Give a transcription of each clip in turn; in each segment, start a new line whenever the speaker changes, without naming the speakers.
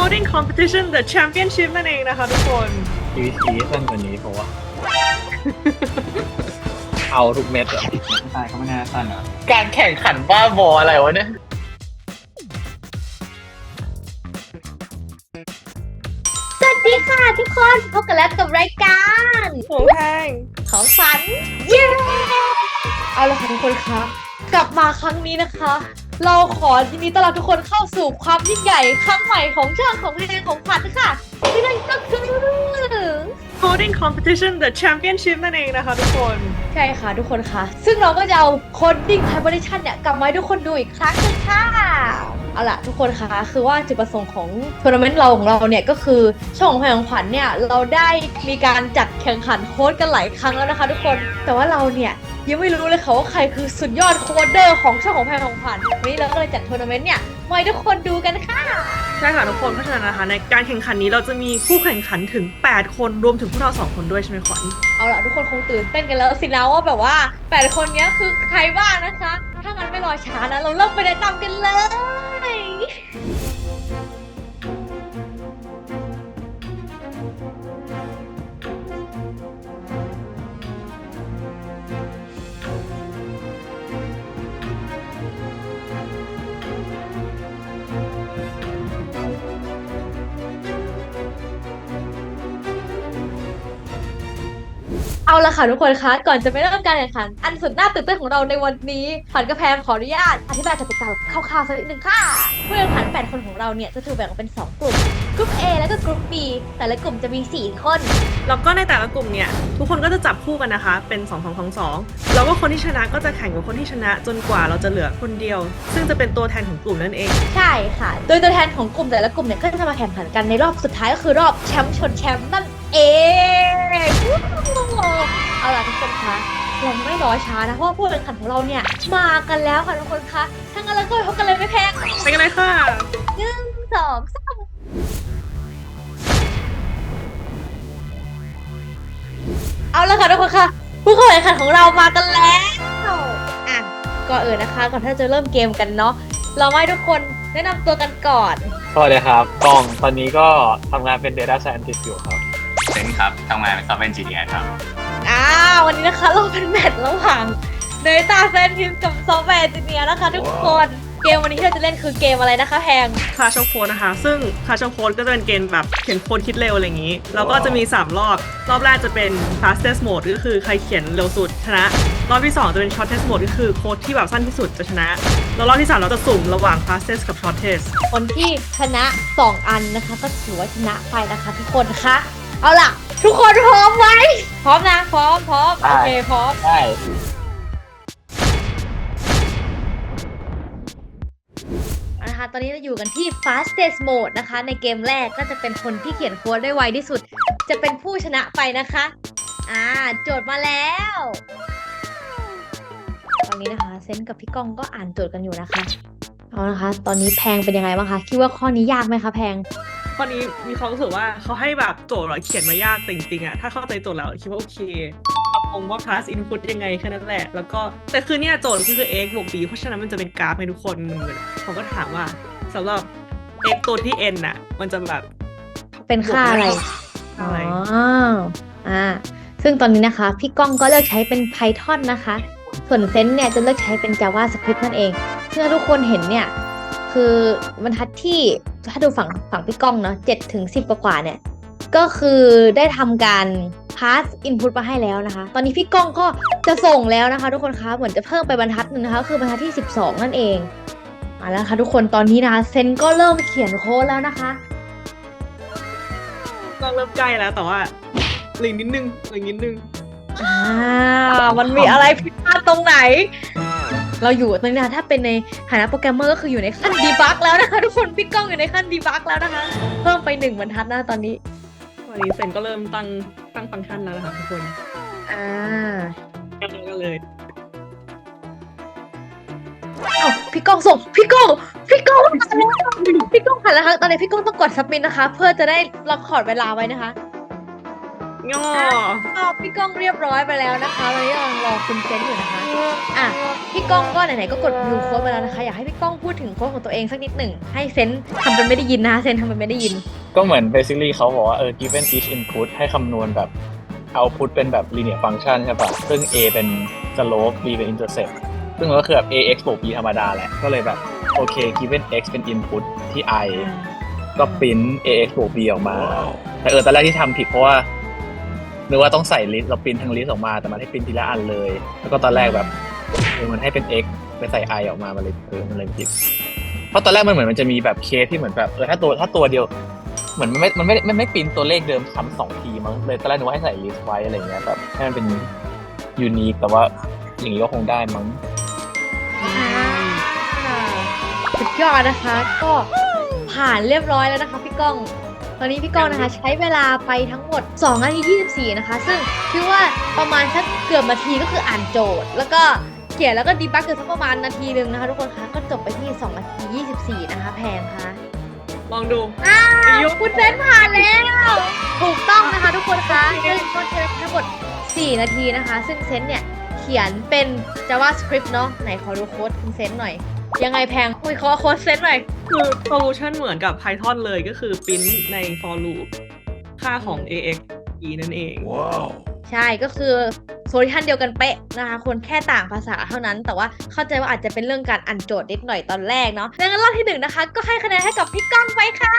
coding competition the championship นั่นเองนะคะทุกคน
PVC สั้นกว่านี้เพราะว่า เอาทุกเม็ดอะ
ตายเขาไม่น่าสั้นเหรอ
การแข่งขันบ้าบออะไรวะเนี่ย
สวัสดีค่ะทุกคนพบกันแล้วกับรายการ
หัวแพง
ของฝันเย้เอาละค่ะทุกคนคะกลับมาครั้งนี้นะคะ เราขอยินดีต้อนรับทุกคนเข้าสู่ความยิ่งใหญ่ครั้งใหม่ของช่องของเพลงของฝันค่ะที่นั่นก็คือ
coding competition the championship นั่นเองนะคะทุกคน
ใช่ค่ะทุกคนค่ะซึ่งเราก็จะเอา coding competition เนี่ยกลับมาให้ทุกคนดูอีกครั้งหนึงค่ะเอาล่ะทุกคนคะคือว่าจุดประสงค์ของทัวร์นาเมนต์เราของเราเนี่ยก็คือช่องของเพลงของขวัญเนี่ยเราได้มีการจัดแข่งขันโค้ดกันหลายครั้งแล้วนะคะทุกคนแต่ว่าเราเนี่ยยังไม่รู้เลยค่ะว่าใครคือสุดยอดโค้ดเดอร์ของช่องของเพลงของขวัญวันนี้เราก็เลยจัดทัวร์นาเมนต์เนี่ยมาให้ทุกคนดูกันค่ะ
ใช่ค่ะทุกคนเพราะฉะนั้นนะคะในการแข่งขันนี้เราจะมีผู้แข่งขันถึง 8 คนรวมถึงพวกเรา 2 คนด้วยใช่ไหมขวัญ
เอาล่ะทุกคนคงตื่นเต้นกันแล้วสินะว่าแบบว่า8คนเนี้ยคือใครบ้างนะคะ ถ้างั้นไม่รอช้านะเราเริ่มไปแนะนำกันเลย เอาละค่ะทุกคนคะก่อนจะไปเริ่มการแข่งขันอันสุดน่าตื่นเต้นของเราในวันนี้ผันกระแพงขออนุญาตอธิบายกติกาคร่าวๆสักนิดนึงค่ะผู้แข่งขัน8คนของเราเนี่ยจะถูกแบ่งออกเป็น2กลุ่มกลุ่ม A และก็กลุ่ม B แต่ละกลุ่มจะมี4คน
แล้วก็ในแต่ละกลุ่มเนี่ยทุกคนก็จะจับคู่กันนะคะเป็น2 2 2 2แล้วก็คนที่ชนะก็จะแข่งกับคนที่ชนะจนกว่าเราจะเหลือคนเดียว ซึ่งจะเป็นตัวแทนของกลุ่มนั่นเอง
ใช่ค่ะโดยตัวแทนของกลุ่มแต่ละกลุ่มเนี่ยก็จะมาแข่งขันกันในรอบสุดท้ายก็คือรอบแชมป์ชนแชมป์นั่นเองเอาล่ะทุกคนคะเราไม่รอช้านะเพราะว่าผู้แข่งขันของเราเนี่ยมากันแล้วค่ะทุกคนคะถ้างั้นเราก็ไปพบกันเลยไม่แพง
ไปกันเลยค่ะ
1 2 3เอาละค่ะทุกคนค่ะผู้เข้าแข่งขันของเรามากันแล้วอ่ะก่อนอื่นนะคะก่อนที่จะเริ่มเกมกันเนาะเราให้ทุกคนแนะนำตัวกันก่อน
สวัสดีครับกล้องตอนนี้ก็ทำงานเป็น Data Scientist อยู่ครับ
เซนครับทำงานเป็น Software Engineer ครับ
วันนี้นะคะเราเป็นแมตช์ระหว่าง Data Scientist กับ Software Engineer นะคะทุกคนเกมวันนี้ที่เราจะเล่นคือเกมอะไรนะคะแพง
คลาชโค้ดนะคะ ซึ่งคลาชโค้ดก็จะเป็นเกมแบบเขียนโค้ดคิดเร็วอะไรอย่างนี้ แล้วก็จะมี 3 รอบ รอบแรกจะเป็น fastest mode ก็คือใครเขียนเร็วสุดชนะ รอบที่ 2 จะเป็น shortest mode ก็คือโค้ดที่แบบสั้นที่สุดจะชนะ แล้วรอบที่ 3 เราจะสุ่มระหว่าง fastest กับ shortest
คนที่ชนะ2อันนะคะก็ถือว่าชนะไปนะคะทุกคนคะเอาล่ะ ทุกคนพร้อมไหมพร้อมนะพร้อมโอเคพร้อม
ได้
นะคะตอนนี้เราอยู่กันที่ fastest mode นะคะในเกมแรกก็จะเป็นคนที่เขียนโค้ดได้ไวที่สุด จะเป็นผู้ชนะไปนะคะโจทย์มาแล้วตอนนี้นะคะเซนกับพี่ก้องก็อ่านโจทย์กันอยู่นะคะเอานะคะตอนนี้แพงเป็นยังไงบ้างคะคิดว่าข้อนี้ยากไหมคะแพง
ข้อนี้มีความรู้สึกว่าเขาให้แบบโจทย์เราเขียนมายากแต่จริงๆอะถ้าเข้าใจโจทย์แล้วคิดว่าโอเคปรับปรุงว่า class input ยังไงแค่นั้นแหละแล้วก็แต่คือเนี่ยโจทย์ก็คือ x บวก b เพราะฉะนั้นมันจะเป็นกราฟให้ทุกคนเหมือนเขาก็ถามว่าสำหรับ x ตัวที่ n น่ะมันจะแบบ
เป็นค่าอะไร
อะไร
ซึ่งตอนนี้นะคะพี่ก้องก็เลือกใช้เป็น Python นะคะส่วนเซนเนี่ยจะเลือกใช้เป็น JavaScript นั่นเองซึ่งทุกคนเห็นเนี่ยคือบรรทัดที่ถ้าดูฝั่งพี่ก้องเนาะ7 ถึง 10กว่าเนี่ยก็คือได้ทำการ pass input มาให้แล้วนะคะตอนนี้พี่ก้องก็จะส่งแล้วนะคะทุกคนคะเหมือนจะเพิ่มไปบรรทัดหนึ่งนะคะคือบรรทัดที่12นั่นเองมาแล้วค่ะทุกคนตอนนี้นะคะเซนก็เริ่มเขียนโค้ดแล้วนะคะ
ก็เริ่มใกล้แล้วแต่ว่าเหลือนิดนึง
มันมีอะไรผิดพลาดตรงไหน เราอยู่ตอนนี้นะถ้าเป็นในฐานะโปรแกรมเมอร์ก็คืออยู่ในขั้นดีบักแล้วนะคะทุกคนพี่ก้องอยู่ในขั้นดีบักแล้วนะคะเพิ่มไป1บรรทัดนะตอนนี้
วันนี้เซนก็เริ่มตั้งฟังก์ชันแล้วนะคะทุกคนก็เลย
พี่ก้องส่งพี่ก้องหันแล้วค่ะตอนนี้พี่ก้องต้องกดซับมิทนะคะเพื่อจะได้ล็อกคอร์ดเวลาไว้นะคะ
ย่อ
ตอบพี่ก้องเรียบร้อยไปแล้วนะคะตอนนี้กำลังรอคุณเซนอยู่นะคะอ่ะพี่ก้องก็ไหนๆก็กดดูโค้ดไปแล้วนะคะอยากให้พี่ก้องพูดถึงโค้ดของตัวเองสักนิดหนึ่งให้เซนทำเป็นไม่ได้ยินนะคะเซนทำเป็นไม่ได้ยิน
ก็เหมือน basically เขาบอกว่าgiven each input ให้คำนวณแบบ output เป็นแบบ linear function ใช่ป่ะซึ่ง a เป็น slope b เป็น intercept ซึ่งมันก็คือแบบ ax บวก b ธรรมดาแหละก็เลยแบบโอเค given x เป็น input ที่ i ก็ print ax บวก b ออกมา แต่ตอนแรกที่ทำผิดเพราะว่านึกว่าต้องใส่ลิสต์เราปริ้นทั้งลิสต์ออกมาแต่มันให้ปริ้นทีละอันเลย แล้วก็ตอนแรกแบบมันให้เป็น x ไปใส่ i ออกมามันเลยมันเลยผิดเพราะตอนแรกมันเหมือนมันจะมีแบบเคสที่เหมือนแบบถ้าตัวเดียวเหมือนมันไม่ปริ้นตัวเลขเดิมซ้ำ2 ทีมั้งเลยตอนแรกนึกว่าให้ใส่ลิสต์ไว้อะไรเงี้ยแบบให้มันเป็นยูนิคแต่ว่าอย่างนี้ก็คงได้มั้ง
สุดยอดนะคะก็ผ่านเรียบร้อยแล้วนะคะพี่ก้อง ตอนนี้พี่ก้องนะคะใช้เวลาไปทั้งหมด2 นาที 24นะคะซึ่งคิดว่าประมาณสักเกือบนาทีก็คืออ่านโจทย์ แล้วก็เขียนแล้วก็ดีบักเกือบสักประมาณนาทีนึงนะคะทุกคนคะก็จบไปที่2 นาที 24นะคะแพงค่ะ
ลองดู
คุณเซนผ่านแล้วถูกต้องนะคะทุกคนคะซึ่งก็ใช้ทั้งหมด4 นาทีนะคะซึ่งเซนเนี่ยเขียนเป็น JavaScript เนาะไหนขอดูโค้ดคุณเซนหน่อยยังไงแพงคุยขอโค้ดเซนหน่อย
คือ solution เหมือนกับ Python เลยก็คือ print ใน for loop ค่าของ ax e นั่นเอง
ใช่ก็คือโซลูชันเดียวกันเป๊ะนะคะคนแค่ต่างภาษาเท่านั้น แต่ว่าเข้าใจว่าอาจจะเป็นเรื่องการอ่านโจทย์นิดหน่อยตอนแรกเนาะดังนั้นรอบที่1นะคะก็ให้คะแนนให้กับพี่ก้องไปค่ะ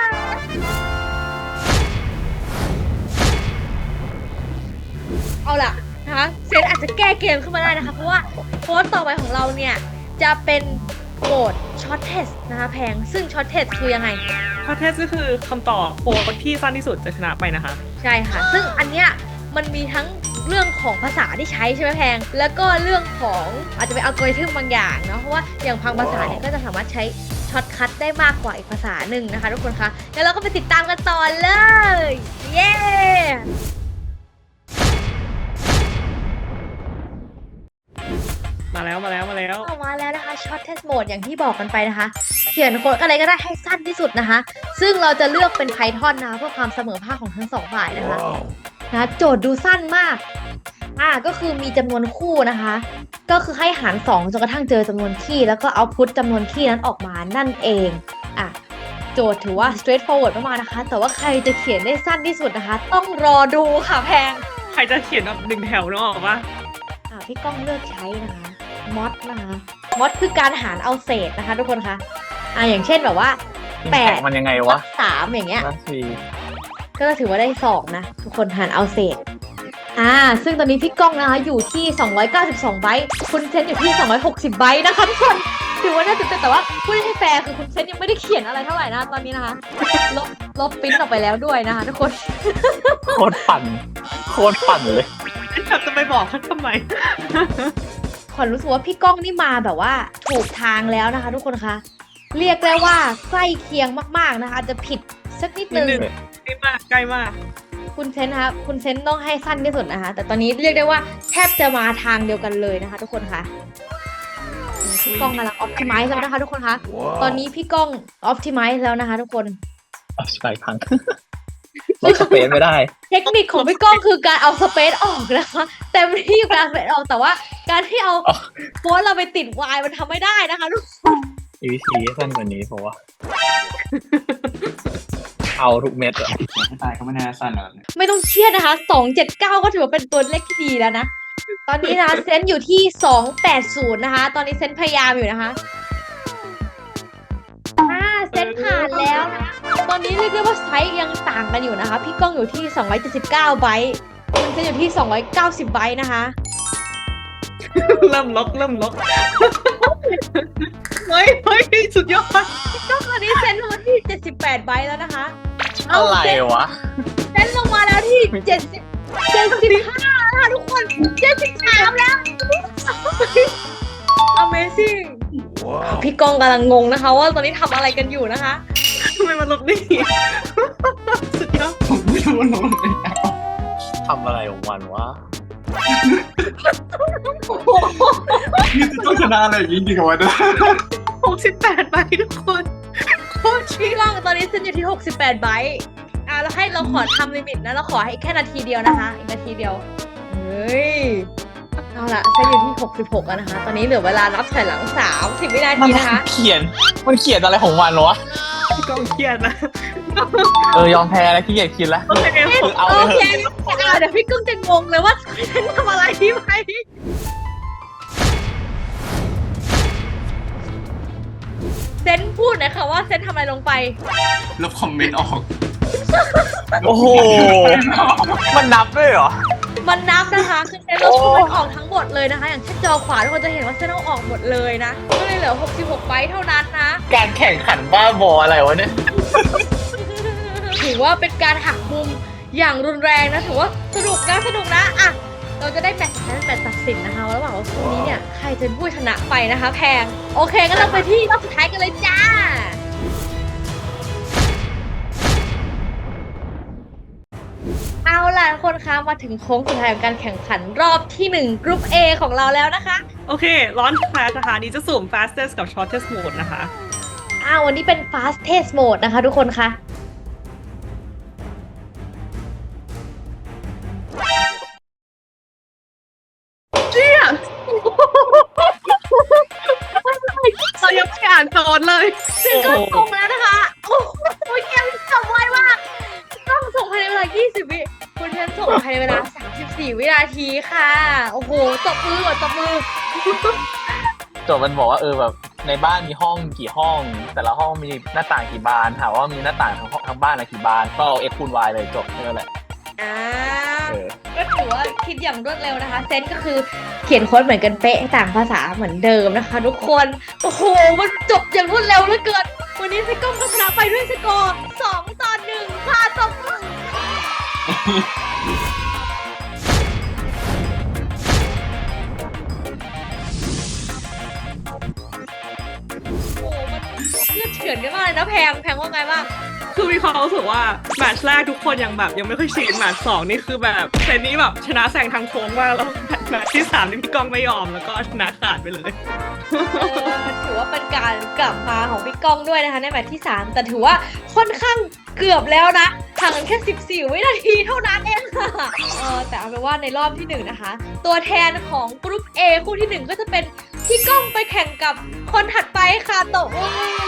เอาล่ะนะคะเซนอาจจะแก้เกมขึ้นมาได้นะคะเพราะว่าโค้ดต่อไปของเราเนี่ยจะเป็นโหมดช็อตเทสนะคะแพงซึ่งช็อตเทสคือยังไง
ข้อเท็จก็คือคำตอบโค้ดที่สั้นที่สุดจะชนะไปนะคะ
ใช่ค่ะ ซึ่งอันเนี้ยมันมีทั้งเรื่องของภาษาที่ใช้ใช่ไหมแพง แล้วก็เรื่องของอาจจะเป็นอัลกอริทึมบางอย่างเนาะ เพราะว่าอย่างบางภาษาเนี่ยก็จะสามารถใช้ช็อตคัทได้มากกว่าอีกภาษาหนึ่งนะคะทุกคนคะแล้วเราก็ไปติดตามกันต่อเลย เย้
มาแล้ว
ออกมาแล้วนะคะช็อตเทสโหมดอย่างที่บอกกันไปนะคะ เขียนโค้ดอะไรก็ได้ให้สั้นที่สุดนะคะ ซึ่งเราจะเลือกเป็น Python นะคะเพื่อความเสมอภาคของทั้งสองฝ่ายนะคะนะโจทย์ดูสั้นมากก็คือมีจำนวนคู่นะคะ ก็คือให้หาร2จนกระทั่งเจอจำนวนคีย์แล้วก็เอาพุตจำนวนคีย์นั้นออกมานั่นเองโจทย์ถือว่า straightforward มากๆนะคะ แต่ว่าใครจะเขียนได้สั้นที่สุดนะคะ ต้องรอดูค่ะแพง
ใครจะเขียนแบบ1 แถวเนอะบอกว่า
พี่ก้องเลือกใช้นะคะมอดนะคะมอดคือการหารเอาเศษนะคะทุกคนคะอย่างเช่นแบบว่า8
มันยังไงวะ
3อย่างเงี้ย
4
ก็ถือว่าได้2นะทุกคนหารเอาเศษซึ่งตอนนี้พี่ก้องนะคะอยู่ที่292 ไบต์คุณเซนอยู่ที่260 ไบต์นะคะทุกคนถือว่าน่าตื่นเต้นแต่ว่าพูดให้แฟร์คือคุณเซนยังไม่ได้เขียนอะไรเท่าไหร่นะตอนนี้นะคะลบปริ้นออกไปแล้วด้วยนะคะทุกคน
โคตรปั่นเลย
จะไปบอกเขาทำไม
ขวัญรู้สึกว่าพี่ก้องนี่มาแบบว่าถูกทางแล้วนะคะทุกคนคะเรียกได้ว่าใกล้เคียงมากๆนะคะอาจจะผิดสักนิดนึง
ใกล้มาก
คุณเซนนะคะคุณเซนต้องให้สั้นที่สุดนะคะแต่ตอนนี้เรียกได้ว่าแทบจะมาทางเดียวกันเลยนะคะทุกคนคะพี่ก้องกำลังออ t ติไมซ์แล้วนะคะทุกคนคะตอนนี้พี่ก้องออ t ติไมซ์แล้วนะคะทุกคน
ใช่พังลดสเปซไม่ได้
เทคนิคของพี่ก้องคือการเอาสเปซออกนะคะเต็มที่การสเปซออกแต่ว่าการที่เอาโค้ดเราไปติดวายมันทำไม่ได้นะคะทุกคน
EVC สั้นกว่านี้เพราะว่า เอาทุกเม็ดอะ
ไม่ตายก็ไม่น่าสั้นหรอก
ไม่ต้องเครียดนะคะ279ก็ถือว่าเป็นตัวเลขที่ดีแล้วนะ ตอนนี้นะคะเซนอยู่ที่280นะคะ ตอนนี้เซนพยายามอยู่นะคะเซนผ่านแล้วนะ ตอนนี้เรียกได้ว่าไซส์ยังต่างกันอยู่นะคะ พี่ก้องอยู่ที่279 ไบต์คุณเซนอยู่ที่290 ไบต์นะคะ
เริ่มล็อกเฮ้ยสุดยอด
พี่ก้องตอนนี้เซนลงมาที่78 ไบต์แล้วนะคะ
อะไรวะ
เซนลงมาแล้วที่75นะคะทุกคน73แล้ว Amazing พี่กองกำลังงงนะคะว่าตอนนี้ทำอะไรกันอยู่นะคะ
ทำไมมันลบได้สุดยอด
ผมไม่รู้น้องเลย
ทำอะไรของมันวะ
นี่จะต้องชนะอะไรอย่างนี้จริงๆวะเนี่ย
68 ใบทุกคนโคตรชิ
พี่กองตอนนี้เซนอยู่ที่68 ไบต์เราให้เราขอทำลิมิตนะเราขอให้แค่นาทีเดียวนะคะอีกนาทีเดียวเฮ้ยเอาละเซนอยู่ที่66แล้วนะคะ ตอนนี้เหลือเวลานับถอยหลัง30วินาทีนะคะ
มันเขียนอะไรของมันวะ
พี่ก้องเครียดนะ
ยอมแพ้แล้วขี้เกียจคิดแล้ว
โอเคผม
เอา
โอ
เลย
เคเดี๋ยวพี่กุ้งจะงงเลยว่าเซนทำอะไรที่ไปเซนพูดหน่อยค่ะว่าเซนทำอะไรลงไป
ลบคอมเมนต์ออก
โอ้โห มันนับด้วยเหรอ
มันนับนะคะคือเซนลบคอมเมนต์ออกทั้งหมดเลยนะคะ อย่างเช่นจอขวาทุกคนจะเห็นว่าเซนเอาออกหมดเลยนะก็เลยเหลือ66ไบต์เท่านั้นนะ
การแข่งขันบ้าบออะไรวะเนี่ย
ถือว่าเป็นการหักมุมอย่างรุนแรงนะถือว่าสนุกนะอ่ะเราจะได้แมตช์ตัดสินนะคะระหว่างว่าคู่นี้เนี่ยใครจะเป็นผู้ชนะไปนะคะ แพงโอเคงั้นเราไปที่รอบสุดท้ายกันเลยจ้าเอาล่ะทุกคนคะมาถึงโค้งสุดท้ายของการแข่งขันรอบที่1กรุ๊ป A ของเราแล้วนะคะ
โอเคร้อนแฟร์นะคะนี้จะสุ่ม fastest กับ shortest mode นะคะ
วันนี้เป็น fastest mode นะคะทุกคนคะ
เรายังไม่อ่านโจทย์เลย
ซึ่งก็ส่งแล้วนะคะโอ้โหเกมจบไวมากต้องส่งภายในเวลา20วิคุณเพื่อนส่งภายในเวลา34วินาทีค่ะโอ้โหตบมือก่อนตบมือ
โจทย์มันบอกว่าแบบในบ้านมีห้องกี่ห้อง แต่ละห้องมีหน้าต่างกี่บานถามว่ามีหน้าต่างทั้งบ้านอะไรกี่บานก็เอา x คูณ y เลยจบแค่นั้นแหละ
ก็ถือว่าคิดอย่างรวดเร็วนะคะ เซนก็คือเขียนโค้ดเหมือนกันเป๊ะต่างภาษาเหมือนเดิมนะคะ ทุกคนโอ้โหมันจบอย่างรวดเร็วเหลือเกินวันนี้เซก้อมก็ชนะไปด้วยสกอร์2-1ค่ะตบมือโอ้มันเลือดเฉือนกันมากเลยนะแพงว่าไงบ้าง
คือมีความรู้สึกว่าแมตช์แรกทุกคนยังไม่ค่อยชินแมตช์สองนี่คือแบบเซนนี้แบบชนะแซงทางโค้งมากแล้วแมตช์ที่3นี่พี่ก้องไม่ยอมแล้วก็ชนะขาดไปเลย
ถือว่าเป็นการกลับมาของพี่ก้องด้วยนะคะในแมตช์ที่3แต่ถือว่าค่อนข้างเกือบแล้วนะห่างกันแค่14วินาทีเท่านั้นเองค่ะแต่เอาเป็นว่าในรอบที่1นะคะตัวแทนของกรุ๊ป A คู่ที่1ก็จะเป็นพี่ก้องไปแข่งกับคนถัดไปค่ะโตะ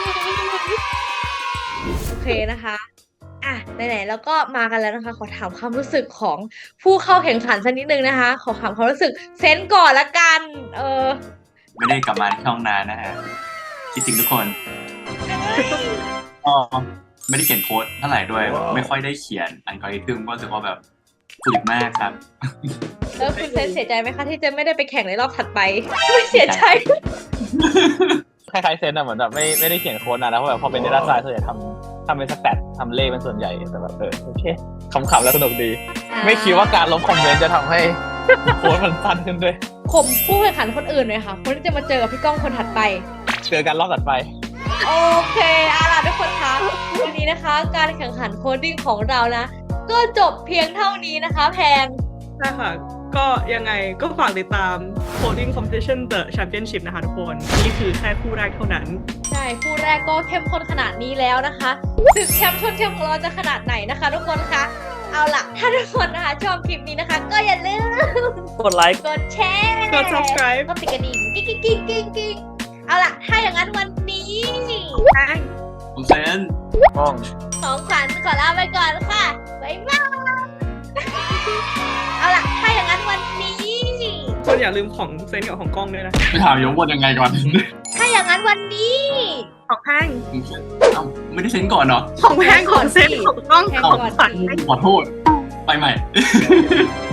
โอเคนะคะไหนๆแล้วก็มากันแล้วนะคะขอถามความรู้สึกของผู้เข้าแข่งขันสักนิดนึงนะคะขอถามความรู้สึกเซนก่อนละกัน
ไม่ได้กลับมาที่ช่องนานนะฮะคิดถึงทุกคนก็ไม่ได้เขียนโค้ดเท่าไหร่ด้วยไม่ค่อยได้เขียนอัลกอริทึมก็รู้สึกว่าแบบฝืดมากครับ
แล้วคุณเซนเสียใจไหมคะที่จะไม่ได้ไปแข่งในรอบถัดไปไม่เสียใจ
คล้ายๆเซนอะเหมือนแบบไม่ได้เขียนโค้ดนะเพราะแบบพอเป็น data science ส่วนใหญ่ทำเป็นสแตททำเลขเป็นส่วนใหญ่แต่แบบโอเคขำๆแล้วสนุกดี ไม่คิดว่าการลบคอมเมนต์จะทำให้โค้ดมันสั้นขึ้นด้วย
ข่มผู้แข่งขันคนอื่นเลยค่ะคนที่จะมาเจอกับพี่ก้องคนถัดไป
เจอกันรอบถัดไป
โอเคล่ะทุกคนคะวันนี้นะคะ การแข่งขันโคดดิ้งของเรานะ ก็จบเพียงเท่านี้นะคะแพง
ใช่ค่ะก็ยังไงก็ฝากติดตาม Coding Competition The Championship นะคะทุกคนนี่คือแค่คู่แรกเท่านั้น
ใช่คู่แรกก็เข้มข้นขนาดนี้แล้วนะคะศึกแชมป์ชนแชมป์ของเราจะขนาดไหนนะคะ ทุกคนคะเอาล่ะถ้าทุกคนนะคะชอบคลิปนี้นะคะ ก็อย่าลืม
กดไลค์
กดแชร์
กด subscribe
ก็ติดกระดิ่งกิ๊งเอาล่ะถ้าอย่างนั้นวันนี้
ผมเซน
ห้อง
ของขวัญขอลาไปก่อนค่ะบ๊ายบายเอาล่ะถ้าอย่างนั้นวันนี้
คนอย่าลืมของเซนกับของกล้องด้วยนะ
ไปถามยงบนยังไงก่อน
ถ้าอย่างนั้นวันนี้
ของแพง
เอ้าไม่ได้เซนก่อนเหรอ
ของแพงของเซนของกล้องของขวัญ
ขอโทษ ไปใหม่